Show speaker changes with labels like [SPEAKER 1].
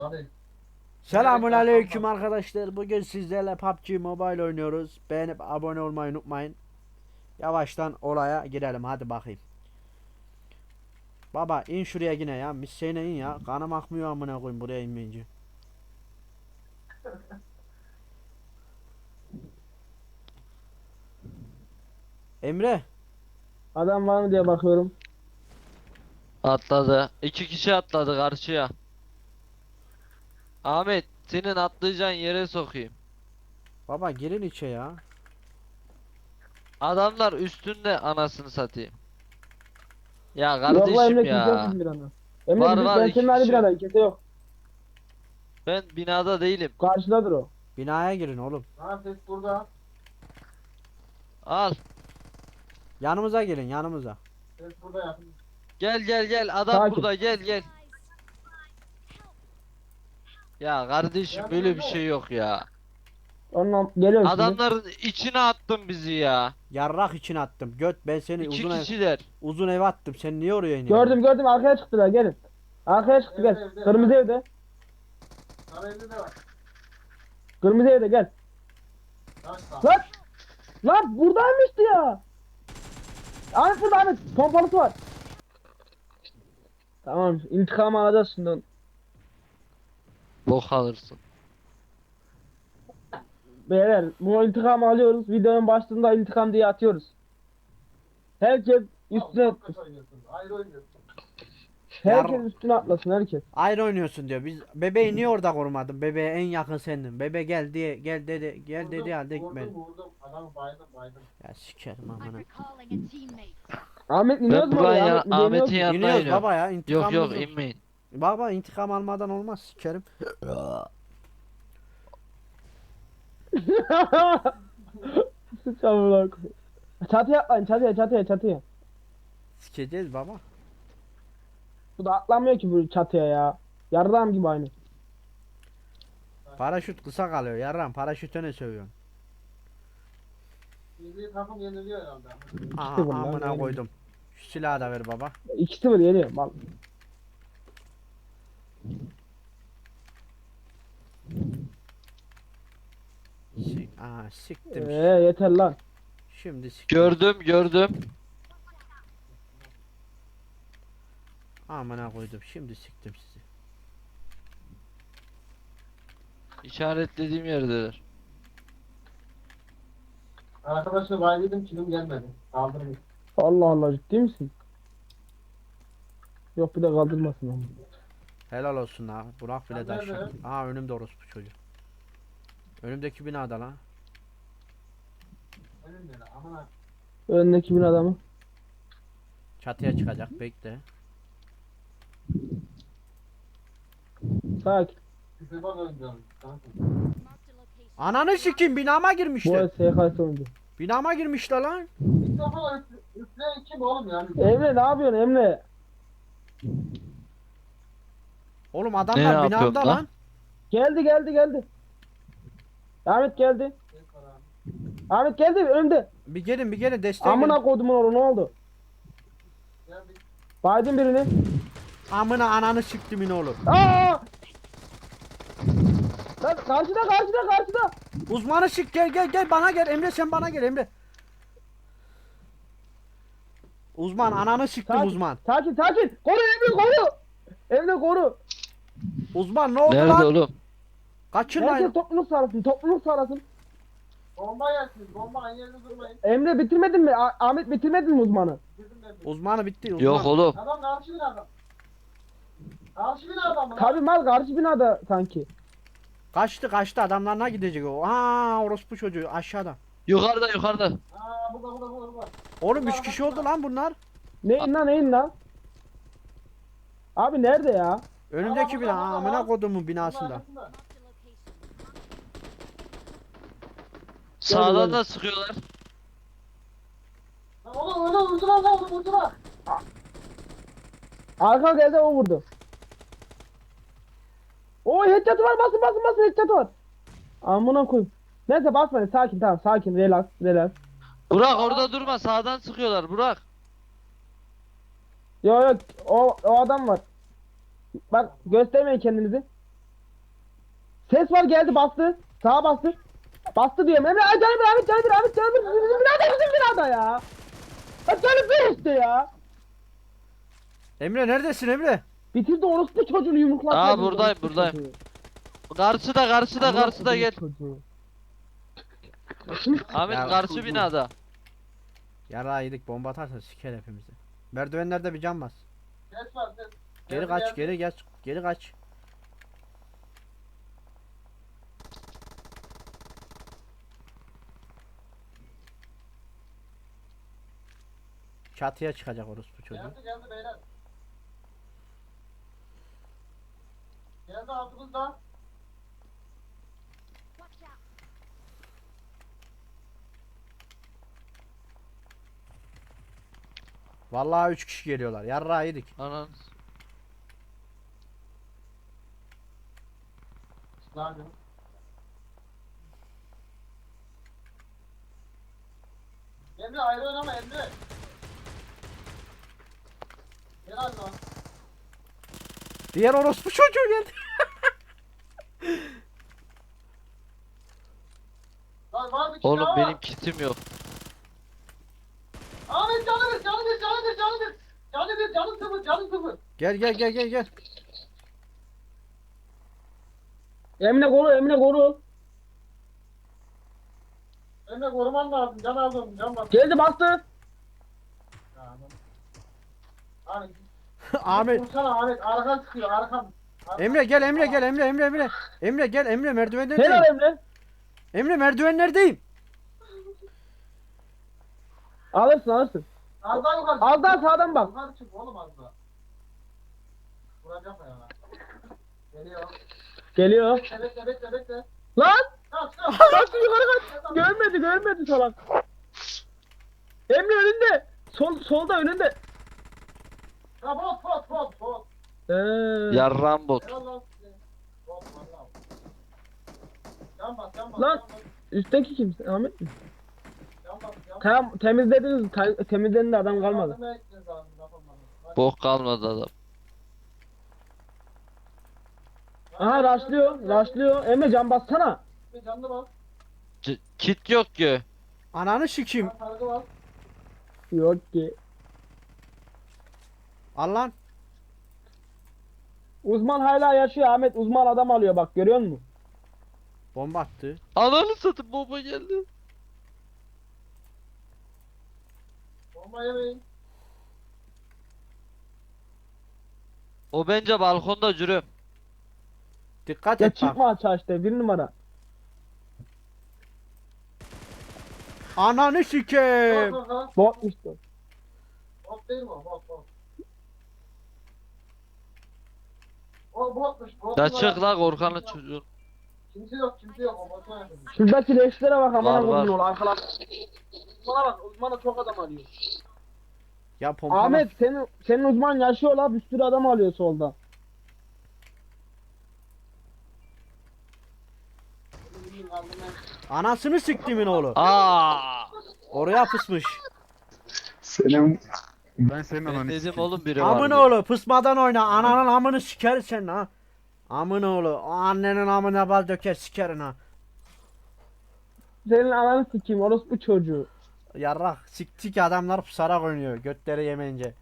[SPEAKER 1] Tabii.
[SPEAKER 2] Selamun aleyküm arkadaşlar. Bugün sizlerle PUBG Mobile oynuyoruz. Beğenip abone olmayı unutmayın. Yavaştan olaya girelim hadi bakayım. Baba in şuraya yine ya. Misseyle in ya. Kanım akmıyor amına koyayım buraya inmeyince. Emre.
[SPEAKER 3] Adam var mı diye bakıyorum.
[SPEAKER 4] Atladı. İki kişi atladı karşıya. Ahmet senin atlayacağın yere sokayım.
[SPEAKER 2] Baba girin içe ya.
[SPEAKER 4] Adamlar üstünde anasını satayım. Ya
[SPEAKER 3] Yok la
[SPEAKER 4] kardeşim
[SPEAKER 3] Emre kimse yok
[SPEAKER 4] ya.
[SPEAKER 3] bizim binada. Emre
[SPEAKER 4] Var
[SPEAKER 3] bizim,
[SPEAKER 4] var
[SPEAKER 3] ben
[SPEAKER 4] iki
[SPEAKER 3] senin aynı
[SPEAKER 4] kişi.
[SPEAKER 3] binadayım, kimse yok.
[SPEAKER 4] Ben binada değilim.
[SPEAKER 3] Karşıdadır o.
[SPEAKER 2] Binaya girin oğlum.
[SPEAKER 1] Ha ses burada.
[SPEAKER 4] Al.
[SPEAKER 2] Yanımıza gelin yanımıza.
[SPEAKER 1] Ses burada yakın.
[SPEAKER 4] Gel gel gel adam
[SPEAKER 3] Sakin.
[SPEAKER 4] burada gel gel. Ya kardeşim böyle bir şey yok ya.
[SPEAKER 3] Ondan geliyorum şimdi.
[SPEAKER 4] Adamların içine attın bizi ya.
[SPEAKER 2] Yarrak için attım. Göt ben seni
[SPEAKER 4] İki
[SPEAKER 2] uzun
[SPEAKER 4] kişiler.
[SPEAKER 2] uzun eve attım. Sen niye oraya iniyorsun?
[SPEAKER 3] Gördüm arkaya çıktılar gelin. Arkaya çıktı gel.
[SPEAKER 1] Evde.
[SPEAKER 3] Kırmızı evde.
[SPEAKER 1] Sarı evde de var.
[SPEAKER 3] Kırmızı evde gel.
[SPEAKER 1] Taş var.
[SPEAKER 3] Lan! Lan buradaymıştı ya. Ahmet burada Ahmet. Pompalısı var. Tamam intikam alacağız şimdi.
[SPEAKER 4] Bok alırsın.
[SPEAKER 3] Beyler bu intikamı alıyoruz. Videonun başlığında intikam diye atıyoruz. Herkes üstüne
[SPEAKER 1] Çok kötü oynuyorsun. Ayrı oynuyorsun.
[SPEAKER 3] herkes
[SPEAKER 2] Yar-
[SPEAKER 3] üstüne atlasın herkes.
[SPEAKER 2] Ayrı oynuyorsun diyor. Biz bebeği niye orada korumadın? Bebeğe en yakın sendin. Bebe gel diye gel dedi gel dedi halde gitmedi.
[SPEAKER 1] Vurdum. Adamı baydım.
[SPEAKER 2] Ya sikerim
[SPEAKER 5] I'm
[SPEAKER 2] amına.
[SPEAKER 5] recalling a teammate.
[SPEAKER 3] Ahmet iniyoruz
[SPEAKER 4] Ben
[SPEAKER 3] mu oraya?
[SPEAKER 4] buraya
[SPEAKER 3] Ahmet mi deniyoruz
[SPEAKER 4] Ahmet'in
[SPEAKER 3] mu?
[SPEAKER 4] yanına
[SPEAKER 2] İniyoruz
[SPEAKER 4] iniyorum.
[SPEAKER 2] baba ya
[SPEAKER 4] Yok
[SPEAKER 2] intikamımız
[SPEAKER 4] yok
[SPEAKER 2] yok.
[SPEAKER 4] inmeyin.
[SPEAKER 2] Baba intikam almadan olmaz sikerim.
[SPEAKER 3] Sıçamına koy. Çatıya atlayın çatıya.
[SPEAKER 2] Sikeceğiz baba.
[SPEAKER 3] Bu da atlamıyor ki bu çatıya ya. Yarram gibi aynı.
[SPEAKER 2] Paraşüt kısa kalıyor yarram paraşüte ne sövüyorsun?
[SPEAKER 1] Milli takım yeniliyor herhalde.
[SPEAKER 2] Aha
[SPEAKER 3] İşte bunlar,
[SPEAKER 2] amına
[SPEAKER 3] yani.
[SPEAKER 2] koydum. Şu silahı da ver baba.
[SPEAKER 3] 2-0 yeniyor. Bak.
[SPEAKER 2] Aha siktim.
[SPEAKER 3] Yeter lan.
[SPEAKER 2] Şimdi siktim.
[SPEAKER 4] Gördüm.
[SPEAKER 2] Amına koydum şimdi siktim sizi.
[SPEAKER 4] İşaretlediğim yerdeler.
[SPEAKER 1] Arkadaşını baydıydım kilim gelmedi. Kaldırmış.
[SPEAKER 3] Allah Allah ciddi misin? Yok bir de kaldırmasın ama.
[SPEAKER 2] Helal olsun ha. Burak bile
[SPEAKER 1] Sen
[SPEAKER 2] taşıyor.
[SPEAKER 1] nerede?
[SPEAKER 2] Aha önümde orospu çocuk. Önümdeki binada lan.
[SPEAKER 1] Önümde lan. Aman ha.
[SPEAKER 3] Önündeki bin adamı.
[SPEAKER 2] Çatıya çıkacak bekle.
[SPEAKER 3] Sakin.
[SPEAKER 1] Küfür bak oynuyorum. Kanka.
[SPEAKER 5] Marked a location.
[SPEAKER 2] Ananı sikeyim binama
[SPEAKER 3] Bu
[SPEAKER 2] girmişler.
[SPEAKER 3] el SKS oyuncu.
[SPEAKER 2] Binama girmişler lan.
[SPEAKER 1] İlk defa üfleyen kim oğlum yani?
[SPEAKER 3] Emre ne yapıyorsun Emre?
[SPEAKER 2] Oğlum
[SPEAKER 4] Ne
[SPEAKER 2] adamlar
[SPEAKER 4] yapıyorsun
[SPEAKER 2] binamda
[SPEAKER 4] lan?
[SPEAKER 2] lan.
[SPEAKER 3] Geldi. Ahmet geldi.
[SPEAKER 1] Ses var abi.
[SPEAKER 3] Ahmet geldi önümde.
[SPEAKER 2] Bir gelin desteğe
[SPEAKER 3] Amına
[SPEAKER 2] gelin.
[SPEAKER 3] kodumun oğlu ne oldu?
[SPEAKER 1] Geldik.
[SPEAKER 3] Baydın birini.
[SPEAKER 2] Amına ananı siktimin oğlum.
[SPEAKER 3] Aa! Lan karşıda.
[SPEAKER 2] Uzmanı sik gel bana gel Emre sen bana gel Emre. Uzman ananı siktim
[SPEAKER 3] Sakin.
[SPEAKER 2] uzman.
[SPEAKER 3] Sakin. Koru Emre koru. Emre koru.
[SPEAKER 2] Uzman ne oldu
[SPEAKER 4] Nerede
[SPEAKER 2] lan?
[SPEAKER 4] oğlum?
[SPEAKER 2] Kaçın
[SPEAKER 3] Herkes
[SPEAKER 2] lan.
[SPEAKER 3] topluluk sağlasın.
[SPEAKER 1] Bomba yersiniz. Bomba aynı yerde durmayın.
[SPEAKER 3] Emre bitirmedin mi? Ahmet bitirmedin mi uzmanı?
[SPEAKER 1] Bitirdim ben.
[SPEAKER 2] Uzmanı bitti uzman.
[SPEAKER 4] Yok oğlum.
[SPEAKER 1] Adam karşı bir adam. Karşı bir adam mı? lan?
[SPEAKER 3] Tabii mal karşı binada sanki.
[SPEAKER 2] Kaçtı adamlarına gidecek o. Aa orospu çocuğu aşağıda.
[SPEAKER 4] Yukarıda.
[SPEAKER 1] Aa burada.
[SPEAKER 2] Oğlum 3 kişi oldu lan bunlar.
[SPEAKER 3] Neyin lan? Abi nerede ya?
[SPEAKER 2] Önümdeki bina
[SPEAKER 1] burada,
[SPEAKER 2] amına
[SPEAKER 1] burada.
[SPEAKER 2] kodumun binasında.
[SPEAKER 1] Arkasında.
[SPEAKER 5] Marked a location.
[SPEAKER 4] Sağdan
[SPEAKER 3] Gel.
[SPEAKER 4] da sıkıyorlar.
[SPEAKER 1] Lan oğlum vurdular.
[SPEAKER 3] Arka geldi o vurdu. O headshot'ı var basın headshot'ı var. Amına koy. Neyse basmayın sakin tamam sakin relax.
[SPEAKER 4] Burak orada durma. Sağdan sıkıyorlar Burak.
[SPEAKER 3] Yok o adam var. Bak göstermeyin kendinizi. Ses var geldi bastı. Sağa bastı. Bastı diyorum. Emre ay canım Ahmet canım Ahmet canım bizim binada bizim binada ya. Ha canım bir işte ya.
[SPEAKER 2] Emre neredesin Emre?
[SPEAKER 3] Bitirdi orospu çocuğunu yumruklattı.
[SPEAKER 4] Aa,
[SPEAKER 3] bizi,
[SPEAKER 4] buradayım,
[SPEAKER 3] orospu
[SPEAKER 4] buradayım.
[SPEAKER 3] çocuğu.
[SPEAKER 4] Karşıda gel.
[SPEAKER 3] Çocuğu.
[SPEAKER 4] Ahmet
[SPEAKER 2] Ya,
[SPEAKER 4] karşı binada.
[SPEAKER 2] Yara yedik bomba atarsa siker hepimizi. Merdivenlerde bir cam bas.
[SPEAKER 1] Ses var ses.
[SPEAKER 2] Geri kaç geri kaç. Çatıya çıkacak orospu çocuğu.
[SPEAKER 1] Geldi beyler. Geldi altımızda.
[SPEAKER 5] Watch out.
[SPEAKER 2] Vallahi 3 kişi geliyorlar. Yarra yedik.
[SPEAKER 4] Anan.
[SPEAKER 1] Lan. Emre ayrı oynama Emre. Gel abi lan.
[SPEAKER 2] Diğer orospu çocuğu geldi.
[SPEAKER 1] Lan var bir kişi
[SPEAKER 4] Oğlum
[SPEAKER 1] daha
[SPEAKER 4] benim
[SPEAKER 1] var.
[SPEAKER 4] kitim yok.
[SPEAKER 1] Ahmet canı sıfır.
[SPEAKER 2] Gel.
[SPEAKER 3] Emre koru Emre koru.
[SPEAKER 1] Emre koruman lazım. Can aldım. Can bas.
[SPEAKER 3] Geldi bastı.
[SPEAKER 1] Ahmet.
[SPEAKER 2] Ahmet.
[SPEAKER 1] Vursana Ahmet. Arkan sıkıyor. Arkan.
[SPEAKER 2] Emre gel Emre gel Emre. Emre gel Emre merdivenlerdeyim.
[SPEAKER 3] Helal Emre.
[SPEAKER 2] Emre merdivenlerdeyim.
[SPEAKER 3] Alırsın.
[SPEAKER 1] Az daha yukarı.
[SPEAKER 3] Az daha sağdan bak.
[SPEAKER 1] Yukarı çık oğlum az daha. Vuracak ya. Geliyor.
[SPEAKER 3] Geliyor.
[SPEAKER 1] Bekle.
[SPEAKER 3] Lan!
[SPEAKER 1] Kaç.
[SPEAKER 3] Kaçtı yukarı kaç. Görmedi salak. Emre önünde. Solda önünde.
[SPEAKER 1] Ya bot.
[SPEAKER 4] Yarram bot.
[SPEAKER 1] Eyvallah size. Bot valla. Can bas.
[SPEAKER 3] Lan! Üstteki kim? Ahmet mi?
[SPEAKER 1] Can bas.
[SPEAKER 3] Tamam temizlediniz. Temizlendi adam kalmadı.
[SPEAKER 4] Bok kalmadı adam.
[SPEAKER 3] Aha rushlıyor. Emre can bassana.
[SPEAKER 1] Canlı bas.
[SPEAKER 4] Kit yok ki.
[SPEAKER 2] Ananı sikeyim.
[SPEAKER 1] Sargı bas.
[SPEAKER 3] Yok ki.
[SPEAKER 2] Al lan.
[SPEAKER 3] Uzman hala yaşıyor Ahmet. Uzman adam alıyor bak görüyor musun?
[SPEAKER 2] Bomba attı.
[SPEAKER 4] Ananı satayım, bomba geldi.
[SPEAKER 1] Bomba yemeyin.
[SPEAKER 4] O bence balkonda cürüm.
[SPEAKER 2] Dikkat
[SPEAKER 3] Ya
[SPEAKER 2] et bak.
[SPEAKER 3] çıkma aç işte bir numara.
[SPEAKER 2] Ananı sikeyim.
[SPEAKER 3] Botmuş bu.
[SPEAKER 1] Bot değil mi o? Bot. O botmuş.
[SPEAKER 4] Ya çık la korkanın çocuğu.
[SPEAKER 1] Kimse yok. O botuna yakın.
[SPEAKER 3] Şuradaki leşlere bak amına
[SPEAKER 4] Var.
[SPEAKER 3] koyduğun ol arkalar. Uzmana bak uzmana çok adam alıyor.
[SPEAKER 2] Ya pompala.
[SPEAKER 3] Ahmet senin uzman yaşıyor la bir sürü adam alıyor solda.
[SPEAKER 2] Anasını siktimin oğlu.
[SPEAKER 4] Aa!
[SPEAKER 2] Oraya pısmış.
[SPEAKER 6] Ben senin
[SPEAKER 4] Ben
[SPEAKER 6] ananı
[SPEAKER 4] dedim
[SPEAKER 6] sikeyim.
[SPEAKER 4] oğlum biri var.
[SPEAKER 2] Amın
[SPEAKER 4] diye.
[SPEAKER 2] oğlu pısmadan oyna. Ananın amını siker sen ha. Amın oğlu. O annenin amına bal döker sikerin ha.
[SPEAKER 3] Senin ananı sikeyim orospu çocuğu.
[SPEAKER 2] Yarrak sik adamlar pusarak oynuyor. Götleri yemeyince.